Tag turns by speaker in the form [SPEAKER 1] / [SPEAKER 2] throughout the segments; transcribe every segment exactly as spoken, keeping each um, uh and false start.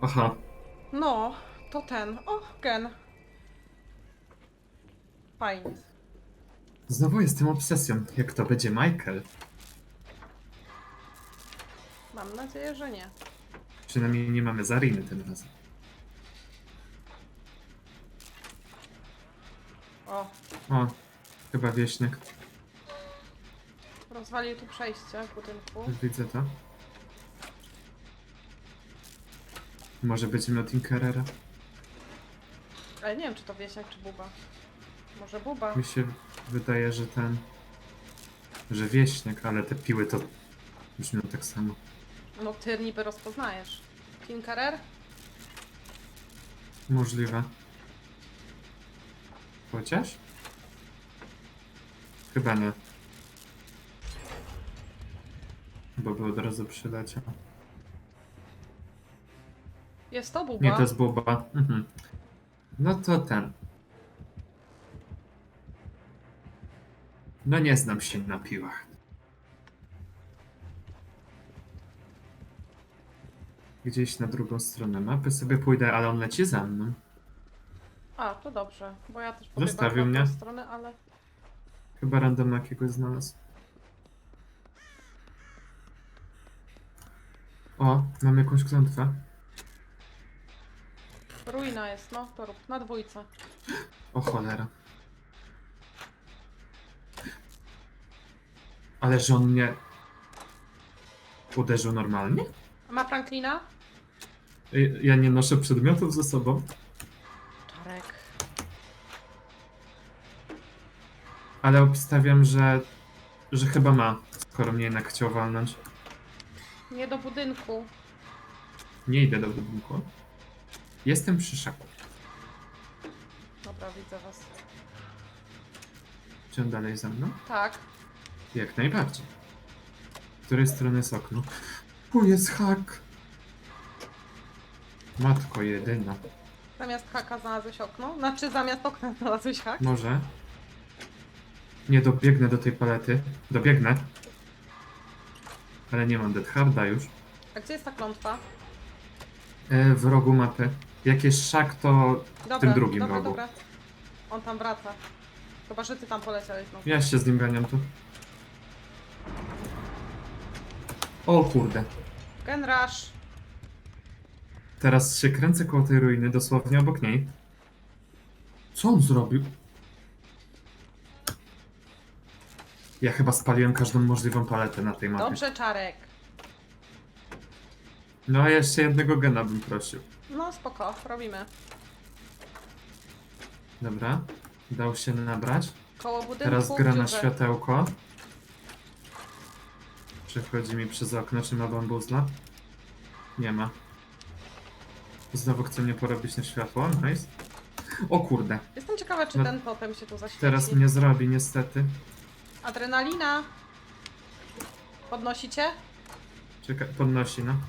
[SPEAKER 1] Aha.
[SPEAKER 2] No, to ten. O, gen. Fajnie.
[SPEAKER 1] Znowu jestem obsesją. Jak to będzie Michael?
[SPEAKER 2] Mam nadzieję, że nie.
[SPEAKER 1] Przynajmniej nie mamy Zariny tym razem.
[SPEAKER 2] O,
[SPEAKER 1] O, chyba wieśniak.
[SPEAKER 2] rozwalił tu przejście w budynku.
[SPEAKER 1] Już widzę to. Może będzie miał Tinkerera.
[SPEAKER 2] Ale nie wiem, czy to wieśniak, czy buba. Może buba.
[SPEAKER 1] Mi się wydaje, że ten... Że wieśniak, ale te piły to brzmią tak samo.
[SPEAKER 2] No, ty niby rozpoznajesz. Tinkerer?
[SPEAKER 1] Możliwe. Chociaż? Chyba nie. Bo by od razu przyleciał.
[SPEAKER 2] Jest to buba.
[SPEAKER 1] Nie, to jest Buba. Mhm. No to ten. No nie znam się na piłach. Gdzieś na drugą stronę mapy sobie pójdę, ale on leci za mną.
[SPEAKER 2] A, to dobrze, bo ja też pobiegłam
[SPEAKER 1] Zostawił
[SPEAKER 2] na
[SPEAKER 1] mnie.
[SPEAKER 2] tę stronę, ale...
[SPEAKER 1] Chyba random jakiegoś znalazł. O, mam jakąś klątwę.
[SPEAKER 2] Ruina jest, no, to rób. Na dwójce.
[SPEAKER 1] O cholera. Ale że on mnie uderzył normalnie?
[SPEAKER 2] A ma Franklina?
[SPEAKER 1] Ej, ja nie noszę przedmiotów ze sobą,
[SPEAKER 2] Czarek.
[SPEAKER 1] ale obstawiam, że, że chyba ma, skoro mnie jednak chciał walnąć.
[SPEAKER 2] Nie do budynku.
[SPEAKER 1] Nie idę do budynku. Jestem przy szaku.
[SPEAKER 2] Dobra, widzę was.
[SPEAKER 1] Czy on dalej za mną?
[SPEAKER 2] Tak.
[SPEAKER 1] Jak najbardziej. Z której strony jest okno? Tu jest hak! Matko jedyna.
[SPEAKER 2] Zamiast haka znalazłeś okno? Znaczy zamiast okna znalazłeś hak?
[SPEAKER 1] Może? Nie dobiegnę do tej palety. Dobiegnę. Ale nie mam Dead Harda już.
[SPEAKER 2] A gdzie jest ta klątwa?
[SPEAKER 1] E, w rogu mapy. Jak jest szak, to
[SPEAKER 2] Dobra,
[SPEAKER 1] w tym drugim
[SPEAKER 2] dobra,
[SPEAKER 1] rogu.
[SPEAKER 2] dobra. On tam wraca. Chyba, że ty tam poleciałeś znowu.
[SPEAKER 1] Ja się z nim ganiam tu. O kurde.
[SPEAKER 2] Gen Rush.
[SPEAKER 1] Teraz się kręcę koło tej ruiny, dosłownie obok niej. Co on zrobił? Ja chyba spaliłem każdą możliwą paletę na tej mapie.
[SPEAKER 2] Dobrze, Czarek.
[SPEAKER 1] No a jeszcze jednego gena bym prosił.
[SPEAKER 2] No spoko, robimy.
[SPEAKER 1] Dobra. Dał się nabrać.
[SPEAKER 2] Koło budynku.
[SPEAKER 1] Teraz gra na
[SPEAKER 2] dziurze.
[SPEAKER 1] światełko. Przechodzi mi przez okno, czy ma bambuzla? Nie ma. Znowu chce mnie porobić na światło, nice. O kurde,
[SPEAKER 2] Jestem ciekawa, czy
[SPEAKER 1] No,
[SPEAKER 2] ten potem się tu zaświeci.
[SPEAKER 1] teraz mnie zrobi niestety.
[SPEAKER 2] Adrenalina. Podnosicie?
[SPEAKER 1] Czekaj, podnosi, no.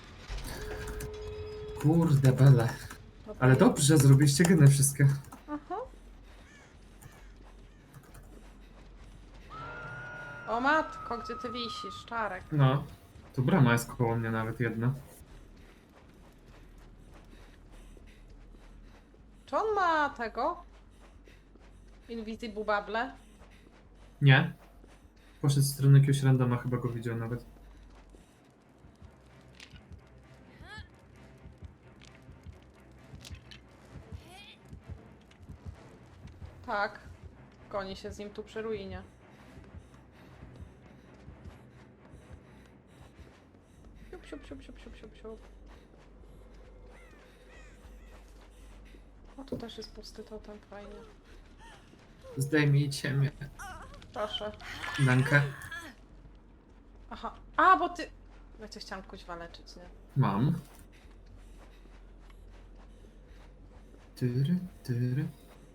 [SPEAKER 1] Kurde bele.
[SPEAKER 2] Dobra.
[SPEAKER 1] Ale dobrze, zrobiliście geny wszystkie.
[SPEAKER 2] Aha. O matko, gdzie ty wisisz, Czarek?
[SPEAKER 1] No. Tu brama jest koło mnie nawet jedna.
[SPEAKER 2] Czy on ma tego? Invisible Bubble?
[SPEAKER 1] Nie. Poszedł w stronę jakiegoś randoma, chyba go widział nawet.
[SPEAKER 2] Tak. Goni się z nim tu przy ruinie. Siup, siup, siup, siup, siup, siup, siup. O, tu też jest pusty totem, fajnie.
[SPEAKER 1] Zdejmijcie mnie.
[SPEAKER 2] Proszę.
[SPEAKER 1] Dankę.
[SPEAKER 2] Aha. A, bo ty... Ja cię chciałam kuźwa leczyć, nie?
[SPEAKER 1] Mam. Tyry, tyry.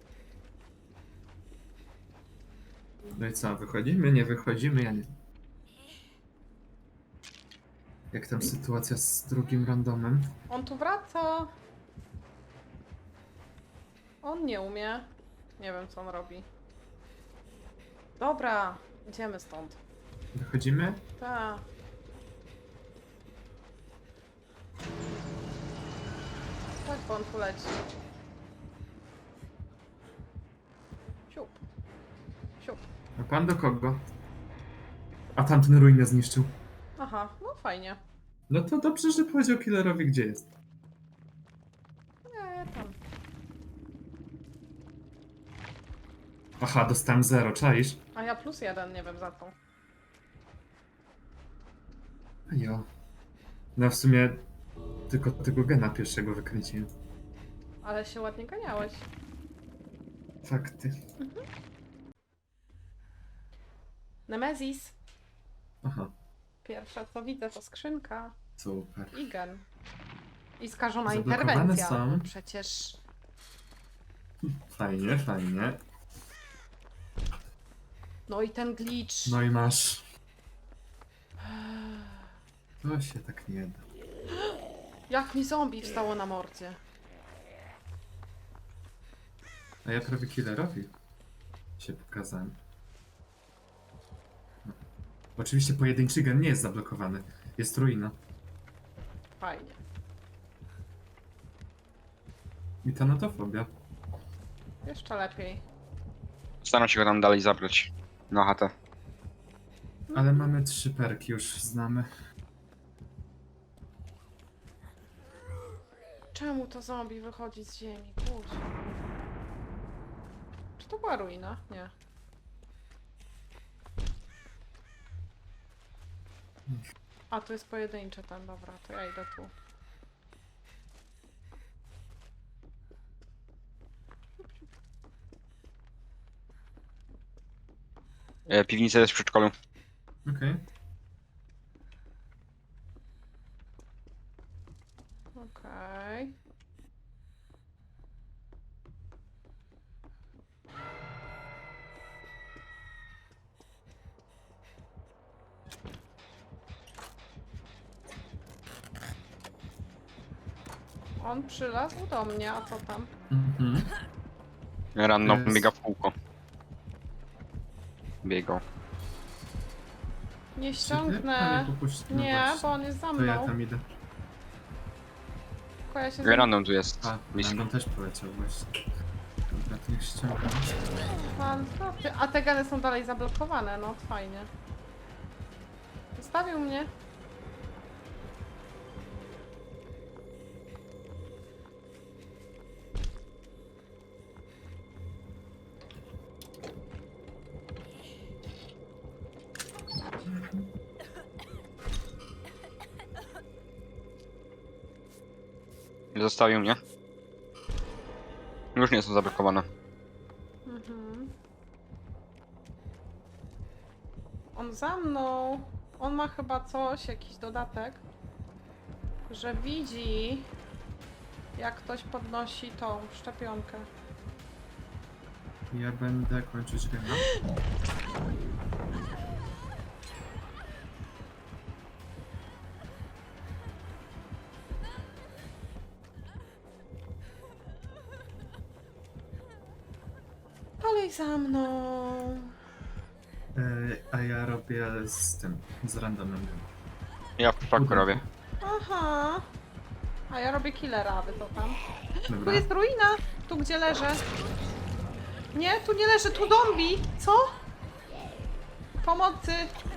[SPEAKER 1] No i co, wychodzimy, nie wychodzimy? Ja nie. Jak tam sytuacja z drugim randomem?
[SPEAKER 2] On tu wraca. On nie umie. Nie wiem, co on robi. Dobra, idziemy stąd.
[SPEAKER 1] Wychodzimy?
[SPEAKER 2] Ta. bo on tu leci. Siup. Siup.
[SPEAKER 1] A pan do kogo? A tamten ruinę zniszczył.
[SPEAKER 2] Aha, no fajnie.
[SPEAKER 1] No to dobrze, że powiedział killerowi, gdzie jest.
[SPEAKER 2] Nie, tam.
[SPEAKER 1] Aha, dostałem zero, czaisz?
[SPEAKER 2] A ja plus jeden, nie wiem za to.
[SPEAKER 1] Jo. No w sumie tylko tego gena pierwszego wykręciłem.
[SPEAKER 2] Ale się ładnie ganiałeś.
[SPEAKER 1] Fakty.
[SPEAKER 2] Nemezis.
[SPEAKER 1] Aha,
[SPEAKER 2] Pierwsza co widzę to skrzynka.
[SPEAKER 1] super.
[SPEAKER 2] I gen. I skażona
[SPEAKER 1] Zablokowane
[SPEAKER 2] interwencja.
[SPEAKER 1] są.
[SPEAKER 2] Przecież...
[SPEAKER 1] Fajnie, fajnie.
[SPEAKER 2] No i ten glitch.
[SPEAKER 1] No i masz. To się tak nie da.
[SPEAKER 2] Jak mi zombie wstało na mordzie.
[SPEAKER 1] A ja prawie killerowi się pokazałem. No. Oczywiście pojedynczy gen nie jest zablokowany. Jest ruina.
[SPEAKER 2] Fajnie.
[SPEAKER 1] I tanatofobia.
[SPEAKER 2] Jeszcze lepiej.
[SPEAKER 3] Staram się go tam dalej zabrać. Na chatę.
[SPEAKER 1] Ale mamy trzy perki, już znamy.
[SPEAKER 2] Czemu to zombie wychodzi z ziemi? Kurczę. Czy to była ruina? Nie. A, tu jest pojedynczy ten, dobra, to ja idę tu.
[SPEAKER 3] E, piwnica jest w przedszkolu.
[SPEAKER 1] Okej.
[SPEAKER 2] Okej. On przylazł do mnie, a co tam?
[SPEAKER 1] Mhm.
[SPEAKER 3] Random
[SPEAKER 1] Jest.
[SPEAKER 3] biega w kółko. Biegał.
[SPEAKER 2] Nie
[SPEAKER 1] Ale
[SPEAKER 2] ściągnę.
[SPEAKER 1] popuść- no
[SPEAKER 2] Nie,
[SPEAKER 1] właśnie.
[SPEAKER 2] bo on jest za
[SPEAKER 1] To ja
[SPEAKER 2] mną.
[SPEAKER 1] tam idę.
[SPEAKER 2] Tylko ja się za...
[SPEAKER 3] Random tu jest.
[SPEAKER 1] A,
[SPEAKER 3] Blisko.
[SPEAKER 1] Random też poleciał właśnie. Dobra, to niech ściągam.
[SPEAKER 2] Pan, ty- a te geny są dalej zablokowane, no fajnie. Zostawił mnie.
[SPEAKER 3] Zostawił mnie. Już nie są zablokowane.
[SPEAKER 2] Mhm. On za mną. On ma chyba coś, jakiś dodatek, że widzi, jak ktoś podnosi tą szczepionkę.
[SPEAKER 1] Ja będę kończyć gena.
[SPEAKER 2] Dalej za mną.
[SPEAKER 1] E, a ja robię z tym, z randomem.
[SPEAKER 3] Ja w przypadku robię.
[SPEAKER 2] Aha. A ja robię killera, a wy to tam. Tu
[SPEAKER 1] Dobra.
[SPEAKER 2] jest ruina! Tu gdzie leżę. Nie, tu nie leży, tu zombie! Co? Pomocy!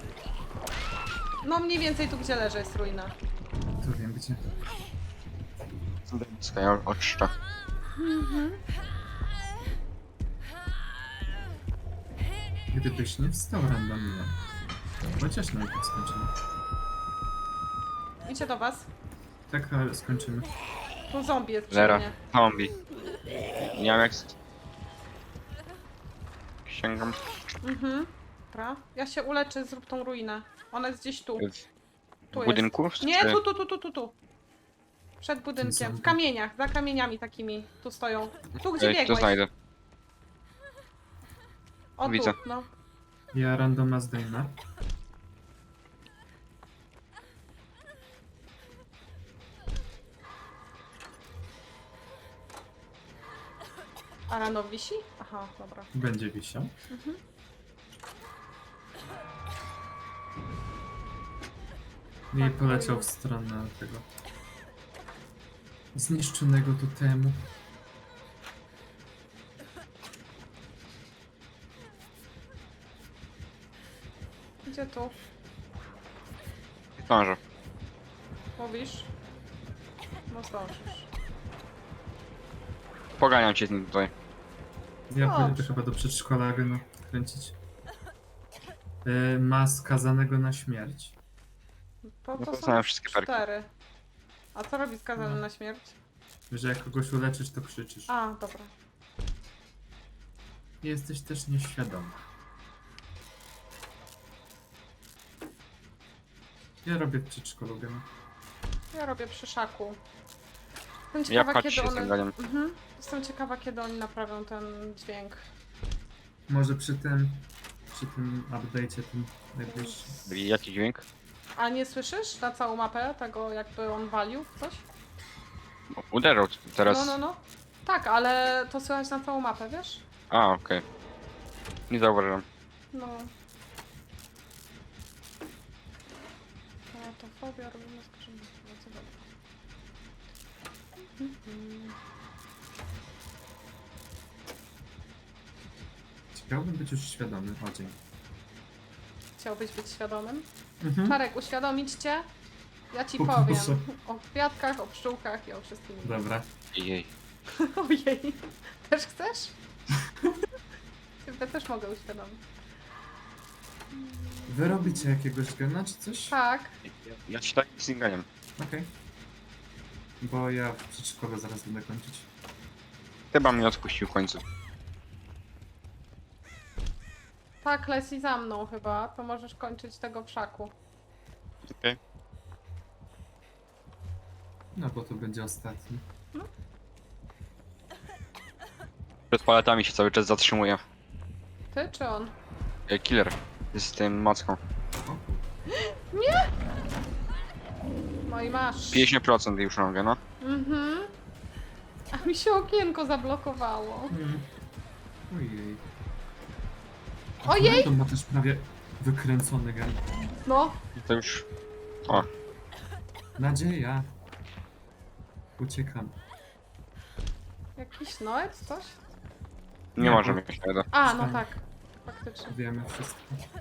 [SPEAKER 2] No mniej więcej tu gdzie leżę jest ruina.
[SPEAKER 1] Tu wiem gdzie.
[SPEAKER 3] Ja oczyszczę.
[SPEAKER 1] Gdybyś nie wstał randomnie. Chociaż najpierw skończymy.
[SPEAKER 2] Idzie do was.
[SPEAKER 1] Tak, ale skończymy.
[SPEAKER 2] Tu zombie jest przy
[SPEAKER 3] Zero.
[SPEAKER 2] mnie.
[SPEAKER 3] Zombie. Nie wiem jak... Sięgam.
[SPEAKER 2] Mhm. Dobra. Ja się uleczę, zrób tą ruinę. Ona jest gdzieś tu.
[SPEAKER 3] W
[SPEAKER 2] Tu jest.
[SPEAKER 3] budynku?
[SPEAKER 2] Nie,
[SPEAKER 3] Czy-
[SPEAKER 2] tu, tu, tu, tu, tu, tu. Przed budynkiem. W
[SPEAKER 1] zombie?
[SPEAKER 2] kamieniach, za kamieniami takimi. Tu stoją. Tu gdzie
[SPEAKER 3] Ej, To
[SPEAKER 2] biegłeś.
[SPEAKER 3] znajdę.
[SPEAKER 2] O
[SPEAKER 3] Widzę.
[SPEAKER 2] tu, no.
[SPEAKER 1] Ja randoma zdejmę.
[SPEAKER 2] A rano wisi? Aha, dobra.
[SPEAKER 1] Będzie wisiał. I poleciał w stronę tego. zniszczonego totemu.
[SPEAKER 2] Gdzie tu?
[SPEAKER 3] Zdążę.
[SPEAKER 2] Mówisz? No zdążysz.
[SPEAKER 3] Poganiam cię tutaj.
[SPEAKER 1] Ja pójdę
[SPEAKER 2] Dobrze.
[SPEAKER 1] chyba do przedszkola go kręcić. Yy, ma skazanego na śmierć.
[SPEAKER 2] To,
[SPEAKER 3] No
[SPEAKER 2] to
[SPEAKER 3] to
[SPEAKER 2] są
[SPEAKER 3] znałem wszystkie perki.
[SPEAKER 2] cztery. A co robi skazany
[SPEAKER 1] No.
[SPEAKER 2] na śmierć?
[SPEAKER 1] Że jak kogoś uleczysz, to krzyczysz.
[SPEAKER 2] A, dobra.
[SPEAKER 1] Jesteś też nieświadomy. Ja robię w przedszkolu gena.
[SPEAKER 2] Ja robię przy szaku. Jestem
[SPEAKER 3] Ja
[SPEAKER 2] ciekawa,
[SPEAKER 3] patrzę
[SPEAKER 2] kiedy
[SPEAKER 3] się z
[SPEAKER 2] one...
[SPEAKER 3] tym ganiem.
[SPEAKER 2] Mhm. Jestem ciekawa, kiedy oni naprawią ten dźwięk.
[SPEAKER 1] Może przy tym, przy tym update'cie tym najbliższym.
[SPEAKER 3] Jaki dźwięk?
[SPEAKER 2] A nie słyszysz na całą mapę tego, jakby on walił w coś?
[SPEAKER 3] Uderzył teraz.
[SPEAKER 2] No, no, no. Tak, ale to słychać na całą mapę, wiesz?
[SPEAKER 3] A, okej. Nie zauważyłem.
[SPEAKER 2] No. A to fobia robimy skażenie. No co dobra. Mhm.
[SPEAKER 1] Chciałbym być już świadomy. O, dzień.
[SPEAKER 2] Chciałbyś być świadomym?
[SPEAKER 1] Mhm.
[SPEAKER 2] Czarek, uświadomić cię? Ja ci
[SPEAKER 1] Poproszę.
[SPEAKER 2] powiem. O kwiatkach, o pszczółkach i o wszystkim. innym.
[SPEAKER 1] Dobra.
[SPEAKER 3] Jej.
[SPEAKER 2] Ojej. Też chcesz? Ciebie też mogę uświadomić.
[SPEAKER 1] Wy robicie jakiegoś gena czy coś?
[SPEAKER 2] Tak.
[SPEAKER 3] Ja, ja ci tak z tym ganiem.
[SPEAKER 1] Okej. Bo ja w przedszkolu zaraz będę kończyć.
[SPEAKER 3] Chyba mnie odpuścił w końcu.
[SPEAKER 2] Tak, leci za mną chyba. To możesz kończyć tego w szaku.
[SPEAKER 3] Okej.
[SPEAKER 1] No bo to będzie ostatni.
[SPEAKER 3] Przed paletami się cały czas zatrzymuje.
[SPEAKER 2] Ty czy on?
[SPEAKER 3] E, Killer. Z tym macką.
[SPEAKER 1] O, kur-
[SPEAKER 2] No i masz.
[SPEAKER 3] pięćdziesiąt procent już mogę, no.
[SPEAKER 2] Mhm. A mi się okienko zablokowało.
[SPEAKER 1] Mm. Ojej.
[SPEAKER 2] Ojej!
[SPEAKER 1] To ma też prawie wykręcony gen.
[SPEAKER 2] No,
[SPEAKER 3] To już... O,
[SPEAKER 1] Nadzieja. Uciekam.
[SPEAKER 2] jakiś noec, coś?
[SPEAKER 3] nie
[SPEAKER 1] Nie,
[SPEAKER 3] możemy
[SPEAKER 1] bo-
[SPEAKER 3] mieć tego.
[SPEAKER 2] A, no
[SPEAKER 1] Wstań.
[SPEAKER 2] tak. Faktycznie.
[SPEAKER 1] Wiemy wszystko.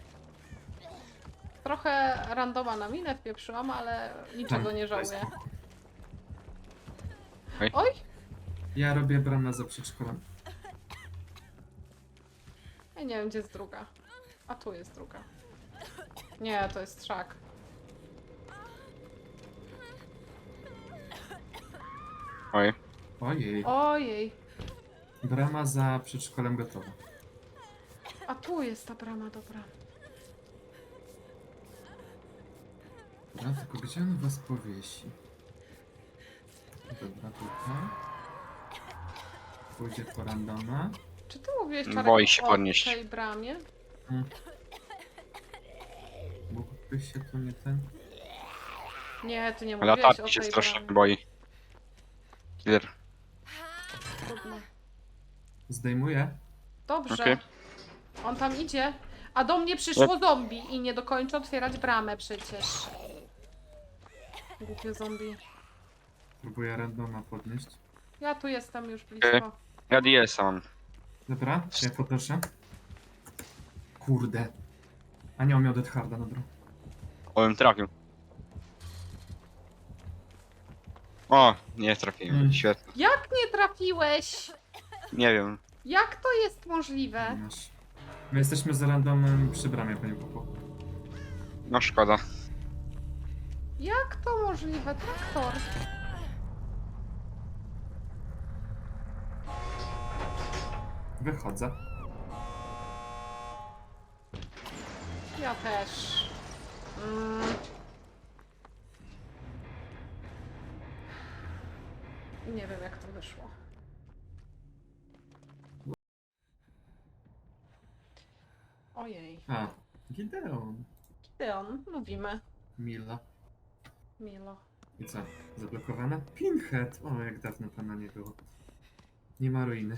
[SPEAKER 2] Trochę randoma na minę wpieprzyłam, ale niczego
[SPEAKER 1] Tam,
[SPEAKER 2] nie
[SPEAKER 1] daj
[SPEAKER 2] żałuję.
[SPEAKER 1] spokój.
[SPEAKER 2] Oj!
[SPEAKER 1] Ja robię bramę za przedszkolem.
[SPEAKER 2] Ja nie wiem, gdzie jest druga. A tu jest druga. Nie, to jest szak.
[SPEAKER 3] Oj.
[SPEAKER 1] Ojej.
[SPEAKER 2] Ojej.
[SPEAKER 1] Brama za przedszkolem gotowa.
[SPEAKER 2] A tu jest ta brama, dobra.
[SPEAKER 1] Dobra, tylko gdzie on was powiesi? Dobra, tutaj. Pójdzie po randoma.
[SPEAKER 2] Czy ty mówiłeś, Czarek,
[SPEAKER 3] Boi się
[SPEAKER 2] o
[SPEAKER 3] podnieść.
[SPEAKER 2] tej bramie?
[SPEAKER 1] Mm. Mógłbyś się tu nie ten...
[SPEAKER 2] Nie, ty nie
[SPEAKER 3] Ale
[SPEAKER 2] mówiłeś o
[SPEAKER 3] latarki się
[SPEAKER 2] tej
[SPEAKER 3] strasznie
[SPEAKER 2] bramie.
[SPEAKER 3] boi. Killer.
[SPEAKER 2] Trudno.
[SPEAKER 1] Zdejmuję?
[SPEAKER 2] Dobrze.
[SPEAKER 3] Okej.
[SPEAKER 2] On tam idzie. A do mnie przyszło zombie i nie dokończę otwierać bramę przecież. Głupie zombie.
[SPEAKER 1] Próbuję randoma podnieść.
[SPEAKER 2] Ja tu jestem już blisko.
[SPEAKER 3] Okej. Ja D S-a mam.
[SPEAKER 1] Dobra, ja poproszę. Kurde. A nie, on miał Death Harda, dobra.
[SPEAKER 3] O, bym trafił. O, nie trafiłem.
[SPEAKER 1] Mm.
[SPEAKER 3] Świetnie.
[SPEAKER 2] Jak nie trafiłeś?
[SPEAKER 3] Nie wiem.
[SPEAKER 2] Jak to jest możliwe?
[SPEAKER 1] Masz. My jesteśmy z randomem przy bramie, panie Popo.
[SPEAKER 3] No szkoda.
[SPEAKER 2] Jak to możliwe? Traktor.
[SPEAKER 1] Wychodzę.
[SPEAKER 2] Ja też. Mm. Nie wiem, jak to wyszło. Ojej.
[SPEAKER 1] A, Gideon.
[SPEAKER 2] Gideon, lubimy.
[SPEAKER 1] Mila.
[SPEAKER 2] Milo.
[SPEAKER 1] I co? Zablokowana? Pinhead! O, jak dawno pana nie było. Nie ma ruiny.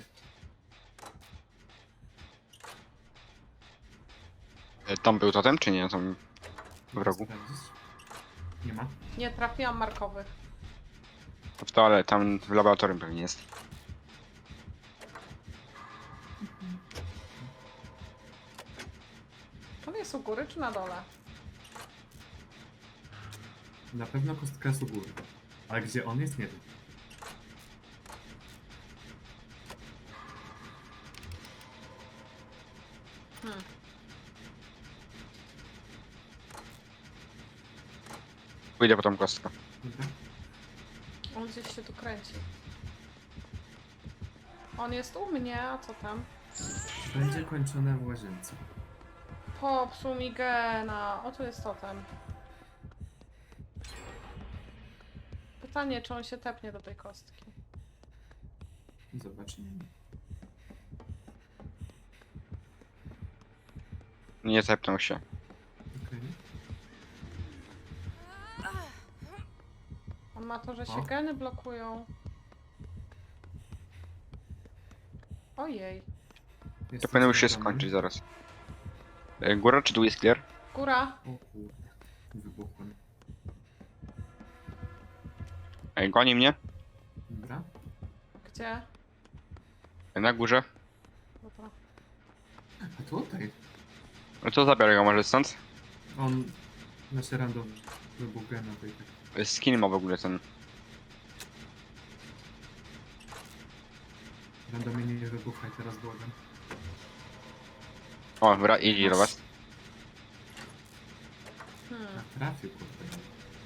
[SPEAKER 3] E, Tam był totem, czy nie? Tam w rogu.
[SPEAKER 1] Sprawdzić? Nie ma.
[SPEAKER 2] Nie trafiłam markowych.
[SPEAKER 3] W toale, tam w laboratorium pewnie jest.
[SPEAKER 2] On jest u góry czy na dole?
[SPEAKER 1] Na pewno kostka jest u góry. Ale gdzie on jest, nie wiem.
[SPEAKER 2] Hmm.
[SPEAKER 3] Pójdę po tą kostkę.
[SPEAKER 1] Dobra.
[SPEAKER 2] On gdzieś się tu kręci. On jest u mnie, a co tam?
[SPEAKER 1] Będzie kończone w łazience.
[SPEAKER 2] Popsuł mi gena. O, tu jest totem. Pytanie, czy on się tepnie do tej kostki.
[SPEAKER 1] Zobaczymy.
[SPEAKER 3] Nie zepnął się.
[SPEAKER 1] Okej.
[SPEAKER 2] On ma to, że się
[SPEAKER 1] O.
[SPEAKER 2] geny blokują. Ojej.
[SPEAKER 1] Jest
[SPEAKER 3] To powinno już się
[SPEAKER 1] coś
[SPEAKER 3] skończyć zaraz. E, Góra czy dół jest clear?
[SPEAKER 2] Góra.
[SPEAKER 1] O kurde. Wybuchłem.
[SPEAKER 3] E, Goni mnie.
[SPEAKER 1] Dobra.
[SPEAKER 2] Gdzie?
[SPEAKER 3] E, Na górze.
[SPEAKER 2] Dobra.
[SPEAKER 1] A tutaj.
[SPEAKER 3] No to zabiorę go może stąd.
[SPEAKER 1] On... Nasze random wybuch gena tej tak.
[SPEAKER 3] E, Skin ma w ogóle ten.
[SPEAKER 1] Randomie nie wybuchaj, teraz błagam.
[SPEAKER 3] O, dobra, idzie do was.
[SPEAKER 2] Hmm.
[SPEAKER 1] A trafił, kurde.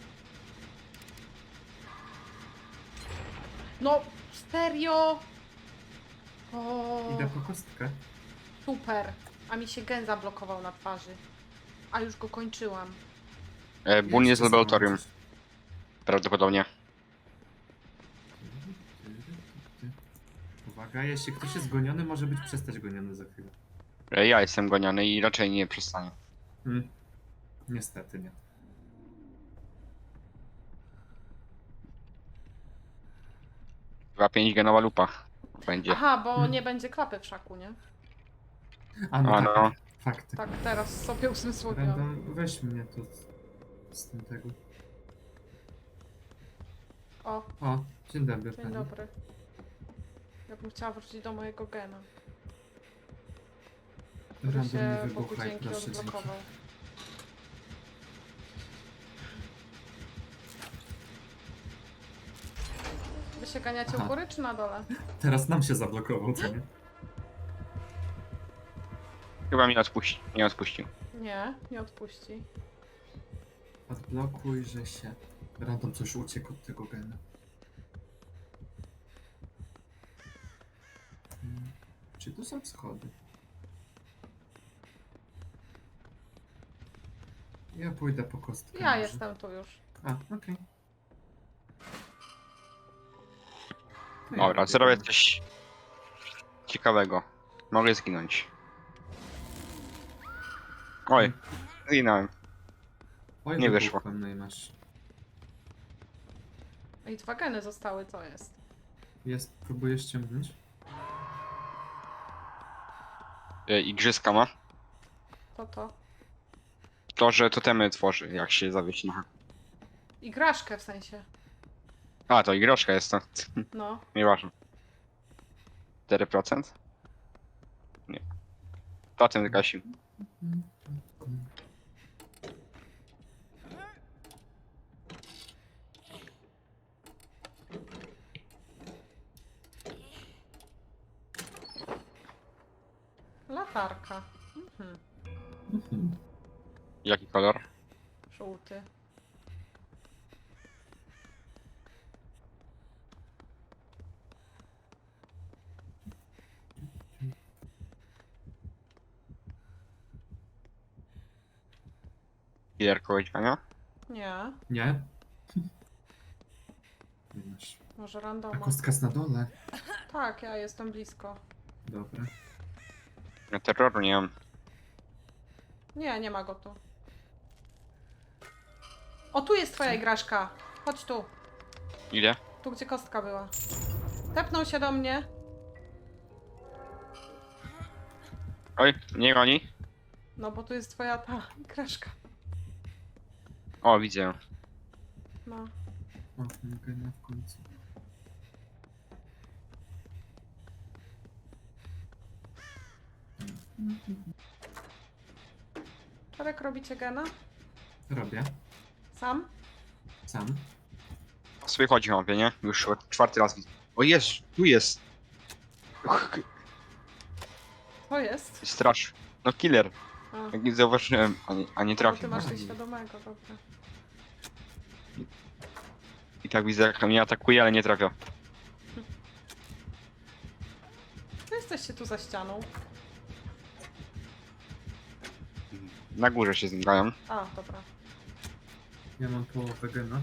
[SPEAKER 2] No, serio? O,
[SPEAKER 1] Idę po kostkę.
[SPEAKER 2] super. A mi się gen zablokował na twarzy. A już go kończyłam.
[SPEAKER 3] E, Bun jest w
[SPEAKER 1] Jeszcze
[SPEAKER 3] laboratorium.
[SPEAKER 1] zobaczysz.
[SPEAKER 3] Prawdopodobnie.
[SPEAKER 1] Uwaga, jeśli ktoś jest goniony, może być przestać goniony za chwilę.
[SPEAKER 3] E, Ja jestem goniony i raczej nie przestanie.
[SPEAKER 1] Hmm. Niestety nie.
[SPEAKER 3] Chyba pięć genowa lupa będzie.
[SPEAKER 2] Aha, bo
[SPEAKER 1] Hmm.
[SPEAKER 2] nie będzie klapy w szaku, nie?
[SPEAKER 1] A no,
[SPEAKER 3] A
[SPEAKER 1] tak,
[SPEAKER 3] no.
[SPEAKER 1] fakty.
[SPEAKER 2] Tak, teraz sobie uzmysłowiłam.
[SPEAKER 1] Random, weź mnie tu z, z tym tego.
[SPEAKER 2] O,
[SPEAKER 1] O, dzień dobry
[SPEAKER 2] dzień
[SPEAKER 1] pani.
[SPEAKER 2] dobry. Ja bym chciała wrócić do mojego gena, który
[SPEAKER 1] Random
[SPEAKER 2] się
[SPEAKER 1] nie
[SPEAKER 2] Bogu
[SPEAKER 1] wybuchaj,
[SPEAKER 2] dzięki
[SPEAKER 1] proszę, dzięki.
[SPEAKER 2] odblokował. Wy się ganiacie
[SPEAKER 1] Aha.
[SPEAKER 2] u góry czy na dole?
[SPEAKER 1] Teraz nam się zablokował, co nie?
[SPEAKER 3] Chyba mnie odpuści. Nie odpuścił.
[SPEAKER 2] Nie, nie odpuści.
[SPEAKER 1] Odblokuj, że się... Random coś uciekł od tego gena. Hmm. Czy tu są schody? Ja pójdę po kostkę.
[SPEAKER 2] Ja
[SPEAKER 1] może.
[SPEAKER 2] jestem tu już.
[SPEAKER 1] A, okej. To ja
[SPEAKER 3] Dobra,
[SPEAKER 1] robię
[SPEAKER 3] zrobię
[SPEAKER 1] gena.
[SPEAKER 3] coś ciekawego. Mogę zginąć. Oj, zginąłem.
[SPEAKER 1] Oj,
[SPEAKER 3] nie
[SPEAKER 1] wybuchłem,
[SPEAKER 3] wyszło.
[SPEAKER 1] No i masz.
[SPEAKER 2] I dwa geny zostały, co jest?
[SPEAKER 1] Jest, próbuję ściągnąć.
[SPEAKER 3] E, Igrzyska ma.
[SPEAKER 2] To to.
[SPEAKER 3] To, że totemy tworzy, jak się zawiesi na...
[SPEAKER 2] Igraszkę w sensie.
[SPEAKER 3] A, to igroszka jest to.
[SPEAKER 2] No.
[SPEAKER 3] Nieważne. cztery procent? Nie. Totem zgasił.
[SPEAKER 2] Latarka. Mhm.
[SPEAKER 1] Mhm.
[SPEAKER 3] Jaki kolor?
[SPEAKER 2] Żółty.
[SPEAKER 3] Killer kogoś gania?
[SPEAKER 2] Nie.
[SPEAKER 1] Nie? Nie masz.
[SPEAKER 2] Może
[SPEAKER 1] A
[SPEAKER 2] randoma.
[SPEAKER 1] kostka jest na dole.
[SPEAKER 2] Tak, ja jestem blisko.
[SPEAKER 1] Dobra.
[SPEAKER 3] Ja terroru nie mam.
[SPEAKER 2] Nie, nie ma go tu. O, tu jest twoja igraszka. Chodź tu.
[SPEAKER 3] Ile?
[SPEAKER 2] Tu, gdzie kostka była. Tepnął się do mnie.
[SPEAKER 3] Oj, nie goni.
[SPEAKER 2] No, bo tu jest twoja ta igraszka.
[SPEAKER 3] O, widzę ją.
[SPEAKER 2] No.
[SPEAKER 1] O, ten gena w końcu.
[SPEAKER 2] Czarek, robicie gena?
[SPEAKER 1] Robię.
[SPEAKER 2] Sam?
[SPEAKER 1] Sam.
[SPEAKER 3] Sobie chodzi mapie, nie? Już czwarty raz widzę. O jest, tu jest. Uch,
[SPEAKER 2] To jest.
[SPEAKER 3] strasz. No killer.
[SPEAKER 2] A,
[SPEAKER 3] Jak nie zauważyłem, a nie, a nie
[SPEAKER 2] no, ty
[SPEAKER 3] trafił.
[SPEAKER 2] masz coś świadomego, dobra.
[SPEAKER 3] I tak widzę, jak mnie atakuje, ale nie trafia.
[SPEAKER 2] Wy jesteście tu za ścianą.
[SPEAKER 3] Na górze się zmagają.
[SPEAKER 2] A, dobra.
[SPEAKER 1] Ja mam połowę gena.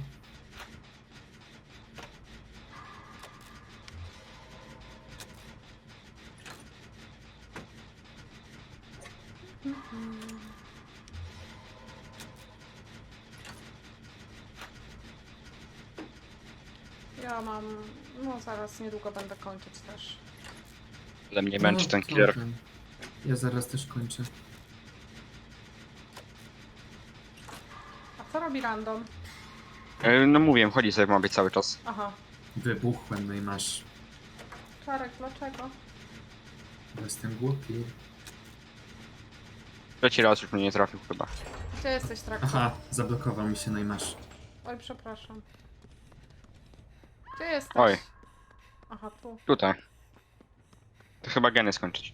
[SPEAKER 2] Ja mam... No zaraz, niedługo będę kończyć też.
[SPEAKER 3] Ale mnie męczy
[SPEAKER 1] No,
[SPEAKER 3] ten
[SPEAKER 1] to
[SPEAKER 3] killer.
[SPEAKER 1] ten. Ja zaraz też kończę.
[SPEAKER 2] A co robi random?
[SPEAKER 3] E, No mówiłem, chodzi sobie w mapie cały czas.
[SPEAKER 2] Aha.
[SPEAKER 1] Wybuchłem, no i masz.
[SPEAKER 2] Czarek, dlaczego?
[SPEAKER 1] Bo jestem głupi.
[SPEAKER 3] Trzeci raz już mnie nie trafił chyba.
[SPEAKER 2] Gdzie jesteś, traktor?
[SPEAKER 1] Aha, zablokował mi się, no i masz.
[SPEAKER 2] Oj, przepraszam. Gdzie jesteś?
[SPEAKER 3] Oj.
[SPEAKER 2] Aha, tu.
[SPEAKER 3] Tutaj. To chyba geny skończyć.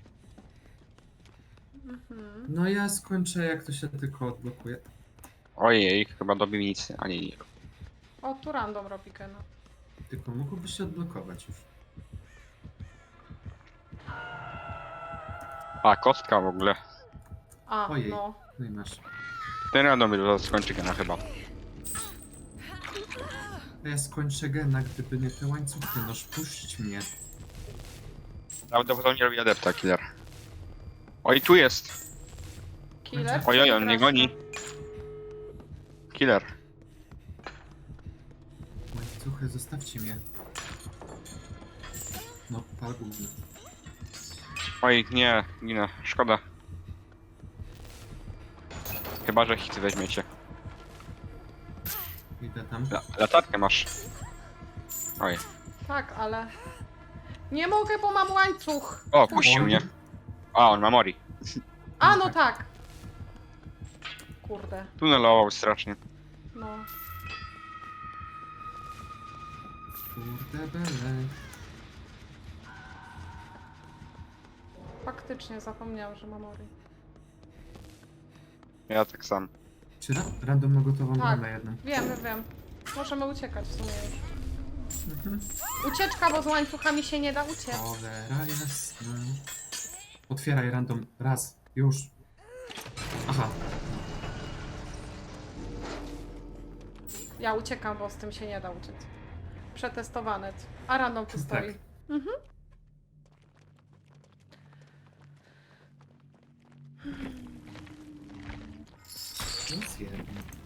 [SPEAKER 2] Mhm.
[SPEAKER 1] No ja skończę, jak to się tylko odblokuje.
[SPEAKER 3] Ojej, chyba dobił nic, a nie, nie.
[SPEAKER 2] O, tu random robi gena.
[SPEAKER 1] Tylko mógłby się odblokować już.
[SPEAKER 3] A, kostka w ogóle.
[SPEAKER 2] A,
[SPEAKER 1] Ojej.
[SPEAKER 2] no.
[SPEAKER 1] No i masz.
[SPEAKER 3] Ten random skończy gena chyba.
[SPEAKER 1] A ja skończę gena, gdyby nie te łańcuchy, noż puść mnie.
[SPEAKER 3] Prawdopodobnie robi adepta killer. Oj, tu jest!
[SPEAKER 2] Killer?
[SPEAKER 3] Oj, oj,
[SPEAKER 2] czy
[SPEAKER 3] on mnie
[SPEAKER 2] Kraszka?
[SPEAKER 3] goni. Killer.
[SPEAKER 1] Łańcuchy, zostawcie mnie. No, pal gówno.
[SPEAKER 3] Oj, nie, ginę, szkoda. Chyba, że hity weźmiecie.
[SPEAKER 1] Idę tam.
[SPEAKER 3] La latarkę masz. Oj.
[SPEAKER 2] Tak, ale... Nie mogę, bo mam łańcuch!
[SPEAKER 3] O, puścił mnie. A, on ma mori.
[SPEAKER 2] A, no tak! Kurde,
[SPEAKER 3] Tunelował strasznie.
[SPEAKER 2] no.
[SPEAKER 1] Kurde bele.
[SPEAKER 2] Faktycznie zapomniałam, że mam Ori.
[SPEAKER 3] Ja tak sam.
[SPEAKER 1] Czy ra random ma gotową
[SPEAKER 2] Tak.
[SPEAKER 1] bramę jedną?
[SPEAKER 2] Wiem, wiem, wiem. Możemy uciekać w sumie już.
[SPEAKER 1] Mhm.
[SPEAKER 2] Ucieczka, bo z łańcuchami się nie da uciec.
[SPEAKER 1] Cholera jasna. Otwieraj random. Raz. Już. Aha.
[SPEAKER 2] Ja uciekam, bo z tym się nie da uciec. Przetestowane. A random tu stoi.
[SPEAKER 1] Tak.
[SPEAKER 2] Mhm.
[SPEAKER 1] Plus jeden.